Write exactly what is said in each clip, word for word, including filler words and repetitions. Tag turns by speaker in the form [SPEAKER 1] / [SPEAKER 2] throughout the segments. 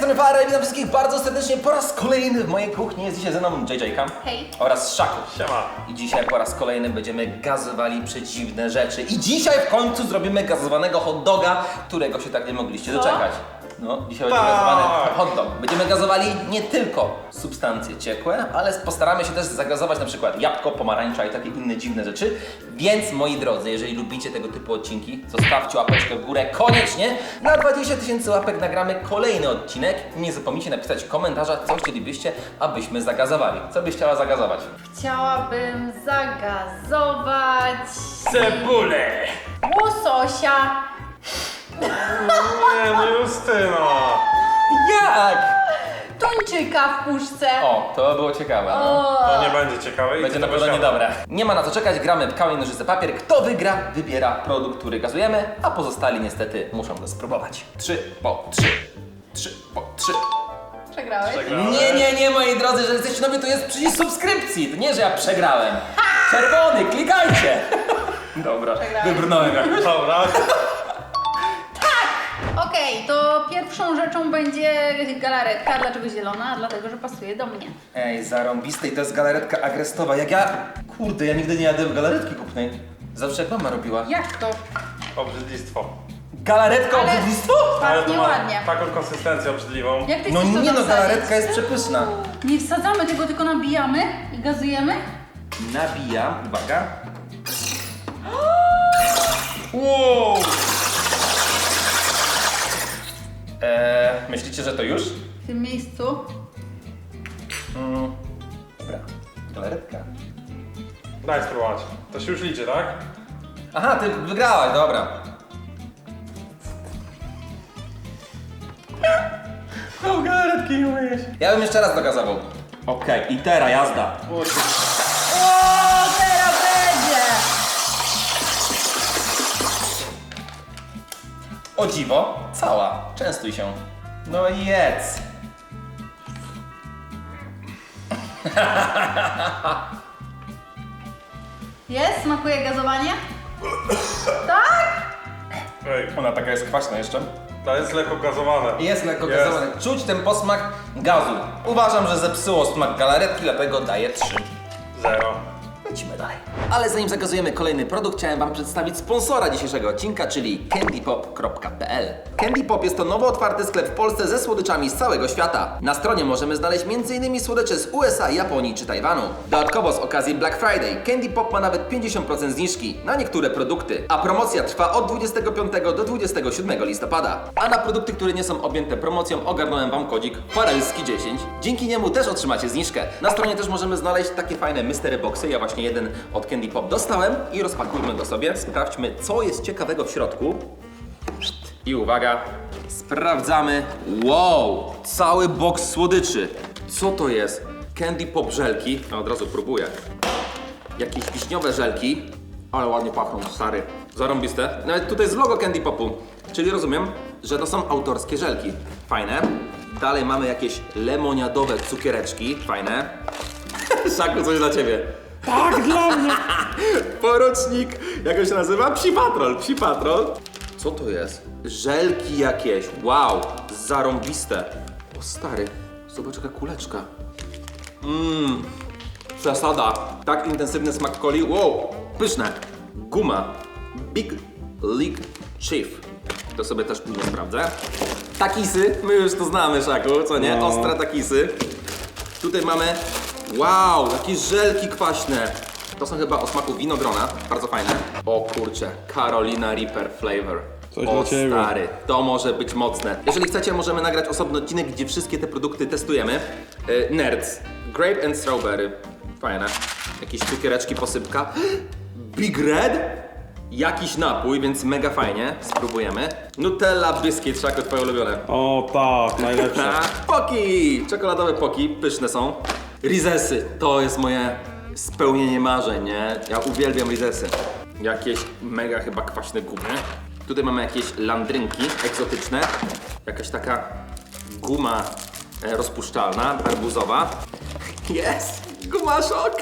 [SPEAKER 1] strony Farel, witam wszystkich bardzo serdecznie po raz kolejny w mojej kuchni. Jest dzisiaj ze mną J J K
[SPEAKER 2] Hej.
[SPEAKER 1] oraz Szaku.
[SPEAKER 3] Siema.
[SPEAKER 1] I dzisiaj po raz kolejny będziemy gazowali przedziwne rzeczy. I dzisiaj w końcu zrobimy gazowanego hot doga, którego się tak nie mogliście
[SPEAKER 2] Co?
[SPEAKER 1] doczekać. No, dzisiaj będzie
[SPEAKER 3] Tak.
[SPEAKER 1] gazowany hot dog. Będziemy gazowali nie tylko substancje ciekłe, ale postaramy się też zagazować na przykład jabłko, pomarańcza i takie inne dziwne rzeczy. Więc moi drodzy, jeżeli lubicie tego typu odcinki, zostawcie łapeczkę w górę koniecznie. Na dwadzieścia tysięcy łapek nagramy kolejny odcinek. Nie zapomnijcie napisać w komentarzach, co chcielibyście, abyśmy zagazowali. Co byś chciała zagazować?
[SPEAKER 2] Chciałabym zagazować
[SPEAKER 3] Cebulę!
[SPEAKER 2] łososia.
[SPEAKER 3] Nie, no Justyna!
[SPEAKER 1] Jak?
[SPEAKER 2] Tuńczyka w puszce.
[SPEAKER 1] O, to było ciekawe. No.
[SPEAKER 2] O.
[SPEAKER 3] To nie będzie ciekawe i
[SPEAKER 1] Będzie
[SPEAKER 3] ty
[SPEAKER 1] na
[SPEAKER 3] to
[SPEAKER 1] pewno
[SPEAKER 3] siada.
[SPEAKER 1] niedobre. Nie ma na co czekać, gramy w kamień, nożyce, papier. Kto wygra, wybiera produkt, który gazujemy, a pozostali niestety muszą go spróbować. Trzy po trzy. Trzy po trzy.
[SPEAKER 2] Przegrałeś?
[SPEAKER 3] Przegrałem.
[SPEAKER 1] Nie, nie, nie, moi drodzy, że jesteście nowi, to jest przycisk subskrypcji. To nie, że ja przegrałem. Czerwony, klikajcie. Dobra,
[SPEAKER 2] Przegrałem.
[SPEAKER 1] wybrnąłem jakoś.
[SPEAKER 3] Dobra.
[SPEAKER 2] Okej, to pierwszą rzeczą będzie galaretka. Dlaczego zielona? Dlatego, że pasuje do mnie.
[SPEAKER 1] Ej, zarąbiste i to jest galaretka agrestowa. Jak ja... Kurde, ja nigdy nie jadłem galaretki kupnej. Zawsze jak mama robiła.
[SPEAKER 2] Jak to?
[SPEAKER 3] Obrzydlistwo.
[SPEAKER 1] Galaretka
[SPEAKER 2] Ale-
[SPEAKER 1] obrzydlistwo?
[SPEAKER 3] Ale to
[SPEAKER 2] Pachnie
[SPEAKER 3] ma
[SPEAKER 2] ładnie.
[SPEAKER 3] taką konsystencję obrzydliwą.
[SPEAKER 2] Jak ty
[SPEAKER 1] No
[SPEAKER 2] chcesz to
[SPEAKER 1] nie no,
[SPEAKER 2] tam
[SPEAKER 1] galaretka
[SPEAKER 2] wsadzić?
[SPEAKER 1] jest przepyszna.
[SPEAKER 2] Nie wsadzamy tego, tylko nabijamy i gazujemy.
[SPEAKER 1] Nabijam, uwaga.
[SPEAKER 3] Wow!
[SPEAKER 1] Eee, myślicie, że to już?
[SPEAKER 2] W tym miejscu.
[SPEAKER 1] Mm. Dobra, galaretka.
[SPEAKER 3] Daj spróbować. To się już liczy, tak?
[SPEAKER 1] Aha, ty wygrałaś, dobra. No, galaretki nie umyjesz. Ja bym jeszcze raz dogazował. Okej, i teraz jazda.
[SPEAKER 2] O, teraz będzie!
[SPEAKER 1] O dziwo, cała. Częstuj się. No i jedz.
[SPEAKER 2] Jest? Smakuje gazowanie? Tak?
[SPEAKER 3] Ej,
[SPEAKER 1] Ona taka jest kwaśna jeszcze.
[SPEAKER 3] to jest lekko gazowane.
[SPEAKER 1] Jest lekko
[SPEAKER 3] Jest.
[SPEAKER 1] gazowana. Czuć ten posmak gazu. Uważam, że zepsuło smak galaretki, dlatego daję trzy.
[SPEAKER 3] Zero.
[SPEAKER 1] Lecimy dalej. Ale zanim zagazujemy kolejny produkt, chciałem Wam przedstawić sponsora dzisiejszego odcinka, czyli candy pop kropka p l. Candy Pop jest to nowo otwarty sklep w Polsce ze słodyczami z całego świata. Na stronie możemy znaleźć między innymi słodycze z U S A, Japonii czy Tajwanu. Dodatkowo z okazji Black Friday Candy Pop ma nawet pięćdziesiąt procent zniżki na niektóre produkty, a promocja trwa od dwudziestego piątego do dwudziestego siódmego listopada. A na produkty, które nie są objęte promocją, ogarnąłem Wam kodzik farelski dziesięć. Dzięki niemu też otrzymacie zniżkę. Na stronie też możemy znaleźć takie fajne mystery boxy. Ja właśnie jeden od Candy Pop dostałem i rozpakujmy go sobie. Sprawdźmy, co jest ciekawego w środku. I uwaga, sprawdzamy. Wow, cały boks słodyczy. Co to jest? Candy Pop żelki. Ja od razu próbuję. Jakieś wiśniowe żelki. Ale ładnie pachną, stary. Zarąbiste. Nawet tutaj jest logo Candy Popu. Czyli rozumiem, że to są autorskie żelki. Fajne. Dalej mamy jakieś lemoniadowe cukiereczki. Fajne. Szaku, coś dla ciebie.
[SPEAKER 3] Tak, dla mnie!
[SPEAKER 1] Porucznik, jak on się nazywa? Psi Patrol, Psi Patrol. Co to jest? Żelki jakieś, wow, zarąbiste. O stary, zobacz jaka kuleczka. Mmm, przesada. Tak intensywny smak coli, wow, pyszne. Guma, Big League Chief. To sobie też później sprawdzę. Takisy, my już to znamy, Szaku, co nie?
[SPEAKER 3] No.
[SPEAKER 1] Ostre takisy. Tutaj mamy, wow, jakieś żelki kwaśne. To są chyba o smaku winogrona, bardzo fajne. O kurczę, Carolina Reaper Flavor.
[SPEAKER 3] Coś
[SPEAKER 1] o
[SPEAKER 3] dla ciebie.
[SPEAKER 1] stary, to może być mocne. Jeżeli chcecie, możemy nagrać osobny odcinek, gdzie wszystkie te produkty testujemy. Yy, Nerds, Grape and Strawberry, fajne. Jakieś cukiereczki, posypka. Big Red, jakiś napój, więc mega fajnie. Spróbujemy. Nutella Biscuit, Szaku, twoje ulubione.
[SPEAKER 3] O tak, najlepsze.
[SPEAKER 1] A, poki! Czekoladowe poki, pyszne są. Rizesy, to jest moje spełnienie marzeń, nie? Ja uwielbiam rizesy. Jakieś mega chyba kwaśne gumy. Tutaj mamy jakieś landrynki egzotyczne. Jakaś taka guma e, rozpuszczalna, arbuzowa. Jest! Gumaszok!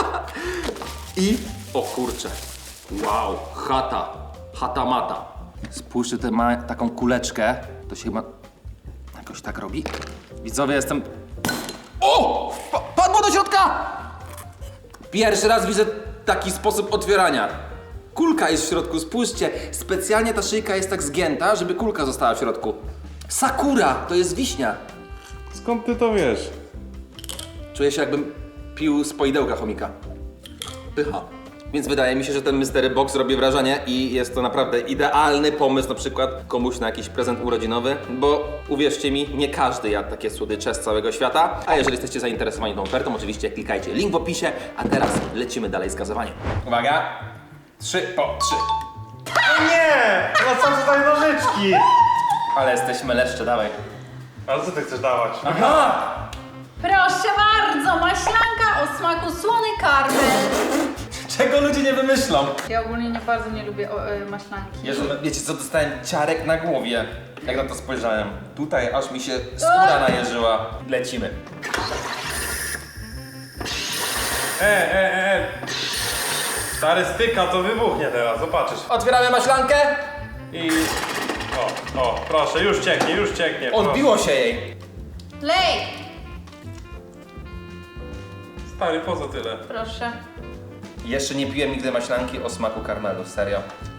[SPEAKER 1] I, o kurczę, wow, chata, chata mata. Spójrzcie, tutaj ma taką kuleczkę, to się chyba Ktoś tak robi? Widzowie, jestem... O! Pa padło do środka! Pierwszy raz widzę taki sposób otwierania. Kulka jest w środku, spójrzcie. Specjalnie ta szyjka jest tak zgięta, żeby kulka została w środku. Sakura, to jest wiśnia.
[SPEAKER 3] Skąd ty to wiesz?
[SPEAKER 1] Czuję się, jakbym pił z poidełka chomika. Pycha. Więc wydaje mi się, że ten Mystery Box robi wrażenie i jest to naprawdę idealny pomysł na przykład komuś na jakiś prezent urodzinowy, bo uwierzcie mi, nie każdy jadł takie słodycze z całego świata, a jeżeli jesteście zainteresowani tą ofertą, oczywiście klikajcie link w opisie, a teraz lecimy dalej z gazowaniem. Uwaga, trzy po trzy.
[SPEAKER 3] Nie! No co tutaj nożyczki?
[SPEAKER 1] Ale jesteśmy leszcze, dawaj.
[SPEAKER 3] Ale co ty chcesz dawać?
[SPEAKER 1] Aha!
[SPEAKER 2] Proszę bardzo, maślanka o smaku słony karmel.
[SPEAKER 1] Czego ludzie nie wymyślą?
[SPEAKER 2] Ja ogólnie nie bardzo nie lubię o, y, maślanki.
[SPEAKER 1] Jezu, wiecie co, dostałem ciarek na głowie, jak na to spojrzałem. Tutaj aż mi się skóra najeżyła. Lecimy.
[SPEAKER 3] E, e, e. Stary styka, to wybuchnie teraz, zobaczysz.
[SPEAKER 1] Otwieramy maślankę.
[SPEAKER 3] I... O, o, proszę, już cieknie, już cieknie.
[SPEAKER 1] Odbiło się jej.
[SPEAKER 2] Lej!
[SPEAKER 3] Stary, po co tyle?
[SPEAKER 2] Proszę.
[SPEAKER 1] Jeszcze nie piłem nigdy maślanki o smaku karmelu, serio.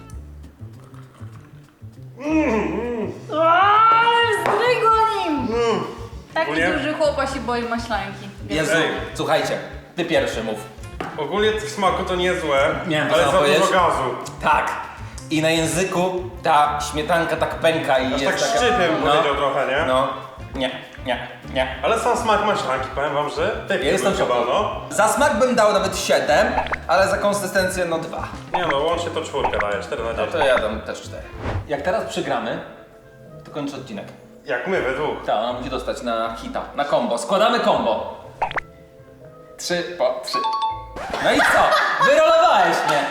[SPEAKER 2] Zdrygło nim! Taki
[SPEAKER 3] Ogólnie-
[SPEAKER 2] duży chłopa się boi maślanki.
[SPEAKER 1] Jezu,
[SPEAKER 3] Ej.
[SPEAKER 1] słuchajcie, ty pierwszy mów.
[SPEAKER 3] Ogólnie w smaku to niezłe,
[SPEAKER 1] Miałem to
[SPEAKER 3] ale
[SPEAKER 1] samo
[SPEAKER 3] za
[SPEAKER 1] powiedzieć.
[SPEAKER 3] dużo gazu.
[SPEAKER 1] Tak. I na języku ta śmietanka tak pęka i
[SPEAKER 3] Aż
[SPEAKER 1] jest
[SPEAKER 3] tak
[SPEAKER 1] taka...
[SPEAKER 3] szczypem powiedział trochę, nie?
[SPEAKER 1] No, nie, nie, nie.
[SPEAKER 3] Ale sam smak maślanki, powiem wam, że pyk,
[SPEAKER 1] Ja jestem w
[SPEAKER 3] chyba,
[SPEAKER 1] szoku.
[SPEAKER 3] no.
[SPEAKER 1] Za smak bym dał nawet siedem, ale za konsystencję no dwa.
[SPEAKER 3] Nie no, łącznie to czwórkę daje, cztery na
[SPEAKER 1] No
[SPEAKER 3] dziesięć.
[SPEAKER 1] to ja dam też cztery. Jak teraz przegramy, to kończy odcinek.
[SPEAKER 3] Jak my we dwóch.
[SPEAKER 1] Tak, ona musi dostać na hita, na combo. Składamy combo. Trzy po trzy. No i co? Wyrolowałeś mnie.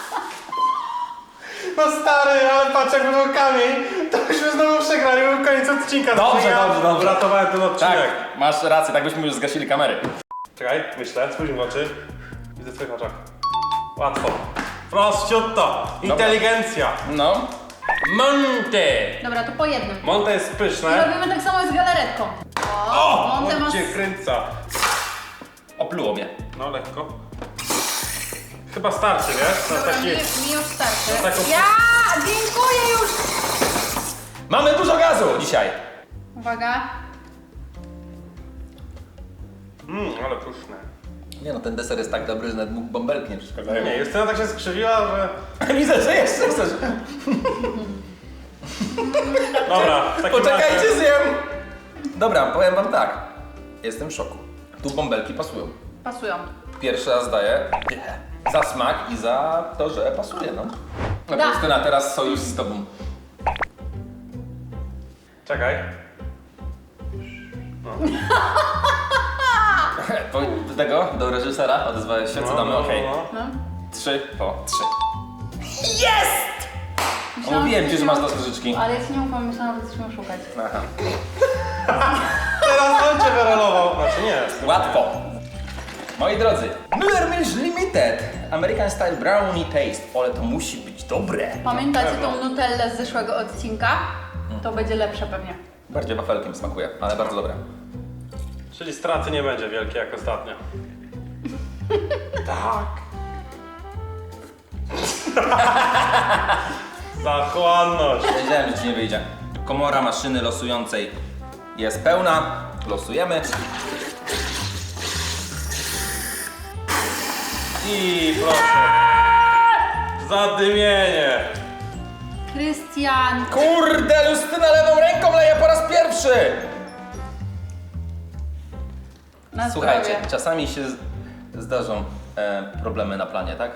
[SPEAKER 3] No stary, ale patrz jak był kamień, to byśmy znowu przegrali, był koniec odcinka.
[SPEAKER 1] Dobrze,
[SPEAKER 3] ja
[SPEAKER 1] dobrze, dobrze.
[SPEAKER 3] Uratowałem ten odcinek.
[SPEAKER 1] Tak, masz rację, tak byśmy już zgasili kamery.
[SPEAKER 3] Czekaj, myślę, spójrz mi w oczy. Widzę w twoich oczach. Łatwo. Prościutto. Inteligencja.
[SPEAKER 1] No. Monte.
[SPEAKER 2] Dobra, to po jednym.
[SPEAKER 3] Monte jest
[SPEAKER 2] I
[SPEAKER 3] pyszne.
[SPEAKER 2] robimy tak samo z galaretką. O! Monte
[SPEAKER 3] On
[SPEAKER 2] ma...
[SPEAKER 3] cię kręca.
[SPEAKER 1] Opluło mnie.
[SPEAKER 3] No lekko. Chyba starczy, wiesz? Na
[SPEAKER 2] Dobra,
[SPEAKER 3] taki...
[SPEAKER 2] mi, mi już starczy.
[SPEAKER 3] No taką-
[SPEAKER 2] Ja! Dziękuję już!
[SPEAKER 1] Mamy dużo gazu dzisiaj.
[SPEAKER 2] Uwaga.
[SPEAKER 3] Mmm, ale pyszne.
[SPEAKER 1] Nie no, ten deser jest tak dobry, że nawet mógł bąbelki nie przeszkadzają.
[SPEAKER 3] Nie, Justyna tak się skrzywiła, że...
[SPEAKER 1] Widzę, że jeszcze chcesz.
[SPEAKER 3] Dobra, w takim
[SPEAKER 1] Poczekajcie,
[SPEAKER 3] razie...
[SPEAKER 1] zjem. Dobra, powiem wam tak. Jestem w szoku. Tu bąbelki pasują.
[SPEAKER 2] Pasują.
[SPEAKER 1] Pierwszy raz daję dychę. Za smak i za to, że pasuje, no. No
[SPEAKER 2] Da.
[SPEAKER 1] Justyna, teraz sojusz z tobą.
[SPEAKER 3] Czekaj.
[SPEAKER 1] Do do tego, do reżysera odezwałeś się, co
[SPEAKER 3] No,
[SPEAKER 1] damy,
[SPEAKER 3] no,
[SPEAKER 1] okej.
[SPEAKER 3] no.
[SPEAKER 2] No.
[SPEAKER 1] Trzy po trzy.
[SPEAKER 2] Myślałam,
[SPEAKER 1] Mówiłem ci, że masz
[SPEAKER 2] miał-
[SPEAKER 1] do nożyczki.
[SPEAKER 2] Ale ja ci nie ufam, myślałam, że coś miał szukać.
[SPEAKER 1] Aha.
[SPEAKER 3] Teraz on cię wyrolował. Znaczy nie.
[SPEAKER 1] Łatwo. Moi drodzy, Müller Milch Limited American Style Brownie Taste. Ale to musi być dobre.
[SPEAKER 2] Pamiętacie
[SPEAKER 3] pewno.
[SPEAKER 2] tą nutellę z zeszłego odcinka? To będzie lepsze pewnie.
[SPEAKER 1] Bardziej wafelkiem smakuje, ale bardzo dobre.
[SPEAKER 3] Czyli straty nie będzie wielkie jak ostatnio. Tak. Zachłanność.
[SPEAKER 1] Wiedziałem, że ci nie wyjdzie. Komora maszyny losującej jest pełna. Losujemy.
[SPEAKER 3] I proszę. Zadymienie.
[SPEAKER 2] Krystian!
[SPEAKER 1] Kurde, Justyna lewą ręką leje po raz pierwszy!
[SPEAKER 2] Na
[SPEAKER 1] Słuchajcie,
[SPEAKER 2] zdrowie.
[SPEAKER 1] czasami się z- zdarzą e, problemy na planie, tak?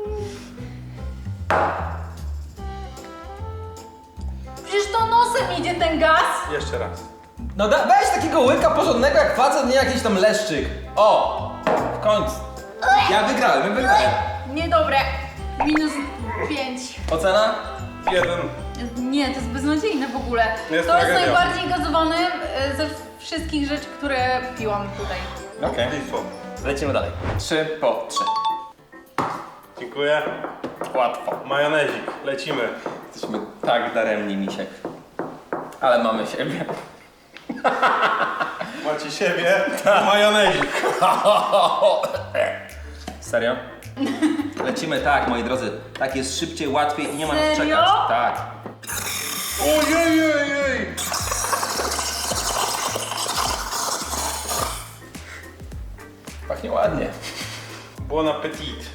[SPEAKER 2] Przecież to nosem idzie ten gaz!
[SPEAKER 3] Jeszcze raz.
[SPEAKER 1] No da, weź takiego łyka porządnego jak facet, nie jakiś tam leszczyk. O! W końcu. Ja wygrałem, ja wygrałem.
[SPEAKER 2] Niedobre. Minus pięć.
[SPEAKER 1] Ocena?
[SPEAKER 3] Jeden.
[SPEAKER 2] Nie, to jest beznadziejne w ogóle.
[SPEAKER 3] Jest
[SPEAKER 2] to jest
[SPEAKER 3] tragedia.
[SPEAKER 2] najbardziej gazowane e, ze wszystkich rzeczy, które piłam tutaj.
[SPEAKER 1] Okej.
[SPEAKER 3] Listwo.
[SPEAKER 1] Lecimy dalej. Trzy po trzy.
[SPEAKER 3] Dziękuję.
[SPEAKER 1] Łatwo.
[SPEAKER 3] Majonezik. Lecimy.
[SPEAKER 1] Jesteśmy tak daremni, misiek. Ale mamy siebie.
[SPEAKER 3] Macie siebie, majonezik.
[SPEAKER 1] Serio? Lecimy tak, moi drodzy. Tak jest szybciej, łatwiej i nie ma na co
[SPEAKER 2] Serio?
[SPEAKER 1] czekać. Tak.
[SPEAKER 3] Ojej!
[SPEAKER 1] Pachnie ładnie.
[SPEAKER 3] Bon appetit.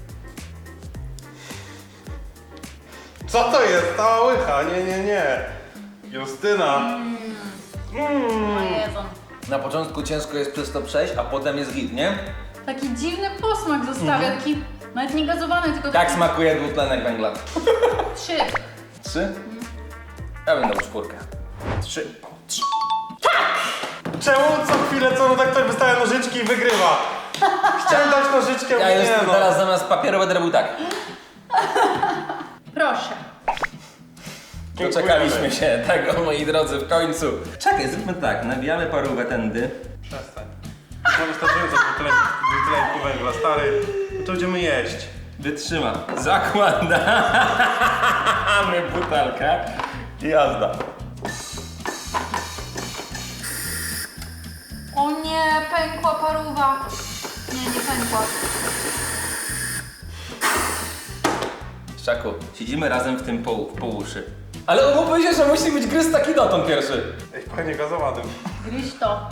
[SPEAKER 3] Co to jest? Cała łycha? Nie, nie, nie. Justyna.
[SPEAKER 2] O Jezu.
[SPEAKER 1] Na początku ciężko jest przez to przejść, a potem jest git, nie?
[SPEAKER 2] Taki dziwny posmak zostawia, taki nawet nie gazowany, tylko
[SPEAKER 1] Tak
[SPEAKER 2] taki...
[SPEAKER 1] smakuje dwutlenek węgla.
[SPEAKER 2] Trzy.
[SPEAKER 1] Trzy? Ja bym dał czwórkę. Trzy. Trzy.
[SPEAKER 3] Czemu co chwilę co no tak ktoś wystawia nożyczki i wygrywa? Chciałem dać nożyczkę,
[SPEAKER 1] Ja
[SPEAKER 3] nie
[SPEAKER 1] już
[SPEAKER 3] no.
[SPEAKER 1] teraz zamiast papieru będę robił tak.
[SPEAKER 2] Proszę.
[SPEAKER 1] Doczekaliśmy się tego, moi drodzy, w końcu. Czekaj, zróbmy tak. Nabijamy parówę tędy.
[SPEAKER 3] Przestań. Mam wystarczająco dwutlenku węgla, stary. No to będziemy jeść.
[SPEAKER 1] Wytrzyma. Zakładamy butelkę i jazda.
[SPEAKER 2] O nie, pękła paruwa. Nie, nie pękła.
[SPEAKER 1] Szaku, siedzimy razem w tym pół, w półuszy. Ale umówmy się, że musi być gryz taki dotąd pierwszy.
[SPEAKER 3] Ej, panie gazowanym.
[SPEAKER 2] Gryź to.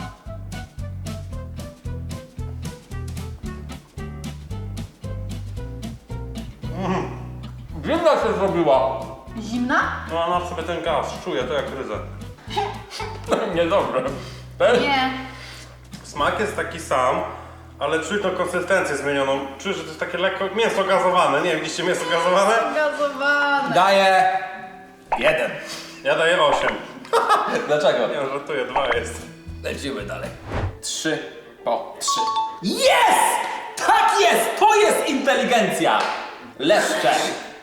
[SPEAKER 1] Zimna się zrobiła.
[SPEAKER 2] Zimna?
[SPEAKER 3] No ona w sobie ten gaz, czuję to jak ryzę.
[SPEAKER 1] Niedobre. Też?
[SPEAKER 2] Nie.
[SPEAKER 3] Smak jest taki sam, ale czuć tą konsystencję zmienioną. Czuję, że to jest takie lekko mięso gazowane. Nie, widzicie mięso gazowane?
[SPEAKER 2] Gazowane.
[SPEAKER 1] Daję jeden.
[SPEAKER 3] Ja daję osiem.
[SPEAKER 1] Dlaczego?
[SPEAKER 3] Nie, żartuję, dwa jest.
[SPEAKER 1] Lecimy dalej. Trzy po trzy. Jest! Tak jest! To jest inteligencja! Leszcze.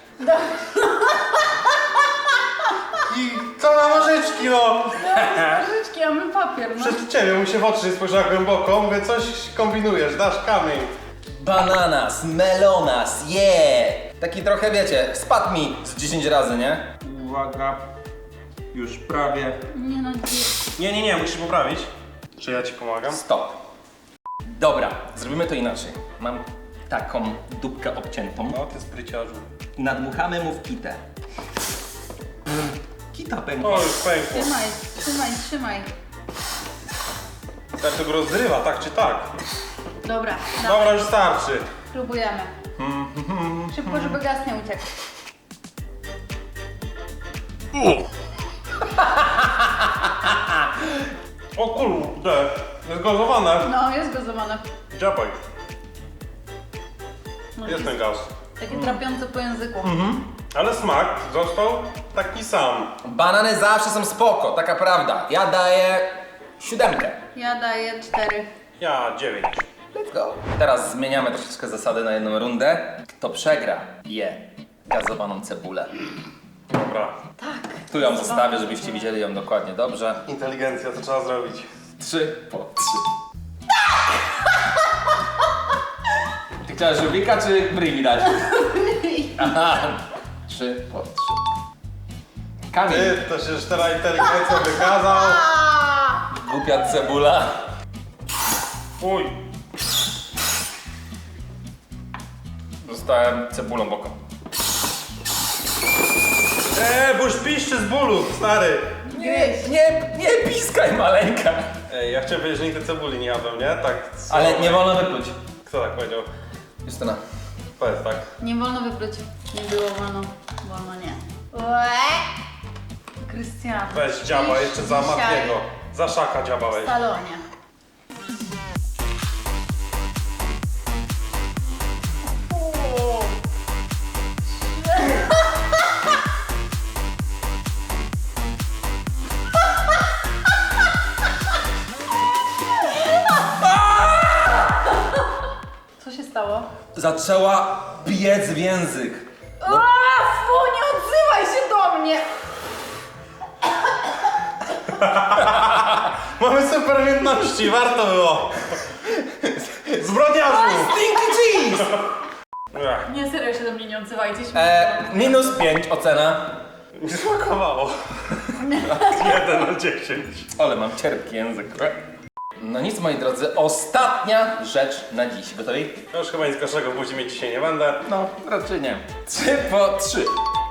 [SPEAKER 3] I co na nożyczki, no!
[SPEAKER 2] Nożyczki, a my papier. No.
[SPEAKER 3] Przez ciebie mu się w oczy spojrzała głęboko, mówię, coś kombinujesz, dasz kamień.
[SPEAKER 1] Bananas, melonas, yeah! Taki trochę, wiecie, spadł mi z dziesięć razy, nie? Uwaga. Już prawie.
[SPEAKER 2] Nie no,
[SPEAKER 3] Nie, nie, nie, musisz poprawić. Czy ja ci pomagam?
[SPEAKER 1] Stop. Dobra, zrobimy to inaczej. Mam taką dupkę obciętą.
[SPEAKER 3] No, ty spryciarzu.
[SPEAKER 1] Nadmuchamy mu w kitę. Kita pękła.
[SPEAKER 3] O, już pękło.
[SPEAKER 2] trzymaj, trzymaj, trzymaj.
[SPEAKER 3] Tak to go rozrywa, tak czy tak?
[SPEAKER 2] Dobra, dobra.
[SPEAKER 3] Dobra, już starczy.
[SPEAKER 2] Próbujemy. Szybko, żeby gaz nie uciekł.
[SPEAKER 3] O kurde, jest gazowane.
[SPEAKER 2] No, jest gazowane.
[SPEAKER 3] Dziabaj,
[SPEAKER 2] No,
[SPEAKER 3] jest ten gaz.
[SPEAKER 2] Takie trapiące po języku.
[SPEAKER 3] Ale smak został taki sam.
[SPEAKER 1] Banany zawsze są spoko, taka prawda. Ja daję siódemkę.
[SPEAKER 2] Ja daję cztery.
[SPEAKER 3] Ja dziewięć.
[SPEAKER 1] Let's go. Teraz zmieniamy troszeczkę zasady na jedną rundę. Kto przegra, je gazowaną cebulę.
[SPEAKER 3] Dobra.
[SPEAKER 2] Tak.
[SPEAKER 1] Tu ją zostawię, żebyście widzieli ją dokładnie dobrze.
[SPEAKER 3] Inteligencja, to trzeba zrobić.
[SPEAKER 1] Trzy po trzy. Ty chciałaś żółwika czy bryj mi dać? Aha. Trzy po trzy. Kamień.
[SPEAKER 3] Ty, to się już teraz inteligencją wykazał.
[SPEAKER 2] A!
[SPEAKER 1] Głupia cebula.
[SPEAKER 3] Uj.
[SPEAKER 1] Zostałem cebulą boką.
[SPEAKER 3] Eee, bo już piszczy z bólu, stary.
[SPEAKER 1] Nie, nie, nie piskaj maleńka.
[SPEAKER 3] Ej, ja chciałem powiedzieć, że nigdy cebuli nie jadłem, nie? Tak. co?
[SPEAKER 1] Ale nie wolno wypluć.
[SPEAKER 3] Kto tak powiedział?
[SPEAKER 1] Justyna.
[SPEAKER 3] Powiedz tak.
[SPEAKER 2] Nie wolno wypluć. Nie było wolno. Wolno nie. Łe! Krystian.
[SPEAKER 3] Weź dziaba
[SPEAKER 2] śpisz
[SPEAKER 3] jeszcze za
[SPEAKER 2] dzisiaj
[SPEAKER 3] Matiego. Za szaka dziaba
[SPEAKER 2] w
[SPEAKER 3] weź.
[SPEAKER 2] salonie. O! Co się stało?
[SPEAKER 1] Zaczęła biec w język.
[SPEAKER 2] A, fu, nie odzywaj się do mnie!
[SPEAKER 3] Mamy super umiejętności, warto było. Zbrodniarzu!
[SPEAKER 1] Stinky cheese!
[SPEAKER 3] Ech,
[SPEAKER 2] Nie, serio się do mnie nie odzywajcie.
[SPEAKER 1] E, minus pięć ocena.
[SPEAKER 3] mi smakowało. jeden na dziesięć.
[SPEAKER 1] Ale mam cierpki język. No nic, moi drodzy, ostatnia rzecz na dziś. Gotowi?
[SPEAKER 3] Ja już chyba nic gorszego w buzi mieć dzisiaj nie będę.
[SPEAKER 1] No, raczej nie. Trzy po trzy.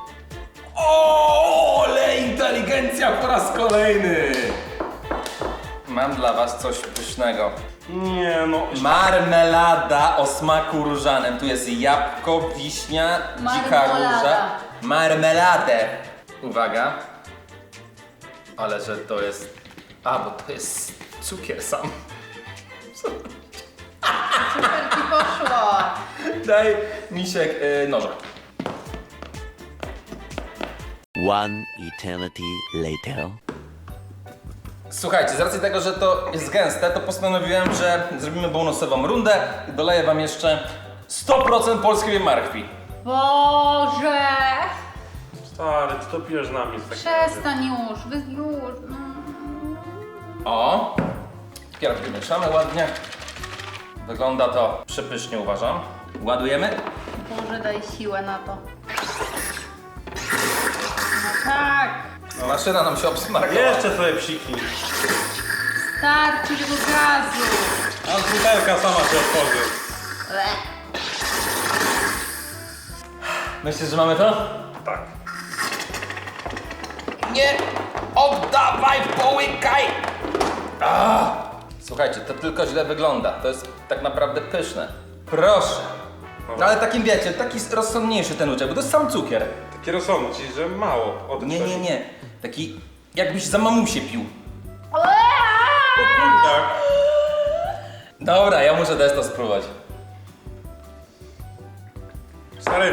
[SPEAKER 1] O, ale inteligencja po raz kolejny. Mam dla was coś pysznego.
[SPEAKER 3] Nie no.
[SPEAKER 1] Marmelada o smaku różanym. Tu jest jabłko, wiśnia, dzika
[SPEAKER 2] Marmolada.
[SPEAKER 1] róża. Marmeladę. Uwaga. Ale że to jest... A, bo to jest cukier sam.
[SPEAKER 2] Super ci poszło.
[SPEAKER 1] Daj, misiek, yy, noża.
[SPEAKER 4] One eternity later.
[SPEAKER 1] Słuchajcie, z racji tego, że to jest gęste, to postanowiłem, że zrobimy bonusową rundę i doleję wam jeszcze sto procent polskiej marchwi.
[SPEAKER 2] Boże!
[SPEAKER 3] Stary, ty to pijesz na mnie. w takim razie.
[SPEAKER 2] Przestań już, wy już. No.
[SPEAKER 1] O! Pierw mieszamy ładnie. Wygląda to przepysznie, uważam. Ładujemy?
[SPEAKER 2] Boże, daj siłę na to. No tak.
[SPEAKER 1] Maszyna nam się obsmarkała.
[SPEAKER 3] Jeszcze sobie psiknij.
[SPEAKER 2] Starczy tego gazu.
[SPEAKER 3] A butelka sama się otworzy.
[SPEAKER 2] Le.
[SPEAKER 1] Myślisz, że mamy to?
[SPEAKER 3] Tak.
[SPEAKER 1] Nie oddawaj, połykaj! Ah. Słuchajcie, to tylko źle wygląda. To jest tak naprawdę pyszne. Proszę. No ale takim wiecie, taki rozsądniejszy ten uczek, bo to jest sam cukier.
[SPEAKER 3] Taki rozsądny, czyli że mało. Od
[SPEAKER 1] Nie, nie, nie. Taki jakbyś za mamusię pił.
[SPEAKER 3] Tak.
[SPEAKER 1] Dobra, ja muszę też to spróbować.
[SPEAKER 3] Stary,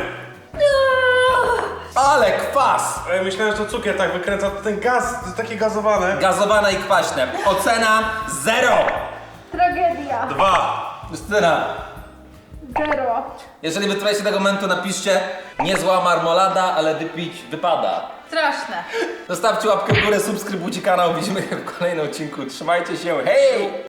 [SPEAKER 1] Ale kwas!
[SPEAKER 3] ale myślałem, że to cukier tak wykręca, to ten gaz, to jest takie gazowane.
[SPEAKER 1] Gazowane i kwaśne. Ocena zero!
[SPEAKER 2] Tragedia.
[SPEAKER 3] Dwa.
[SPEAKER 1] Justyna,
[SPEAKER 2] Zero.
[SPEAKER 1] jeżeli wytrwaliście tego momentu, napiszcie niezła marmolada, ale wypić wypada.
[SPEAKER 2] Straszne.
[SPEAKER 1] Zostawcie łapkę w górę, subskrybujcie kanał, widzimy się w kolejnym odcinku. Trzymajcie się, hej!